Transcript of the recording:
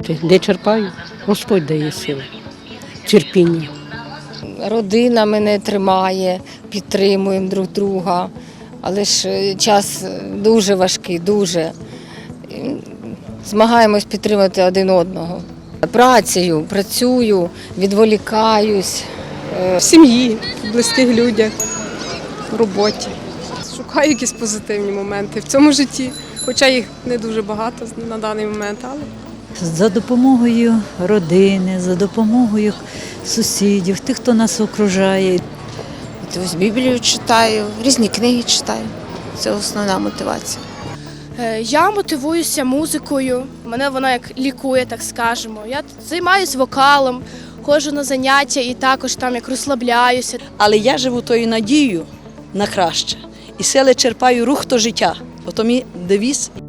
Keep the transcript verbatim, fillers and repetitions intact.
черпати. Де черпаю? Господь дає сили, терпіння. Родина мене тримає, підтримуємо друг друга, але ж час дуже важкий, дуже. Змагаємось підтримати один одного. Працею, працюю, відволікаюсь. В сім'ї, в близьких людях, в роботі. Шукаю якісь позитивні моменти в цьому житті, хоча їх не дуже багато на даний момент, але За допомогою родини, за допомогою сусідів, тих, хто нас окружає. Ось Біблію читаю, різні книги читаю. Це основна мотивація. Я мотивуюся музикою, мене вона як лікує, так скажемо. Я займаюся вокалом, ходжу на заняття і також там як розслабляюся. Але я живу тою надією на краще. І сили черпаю рух то життя. Ото мій девіз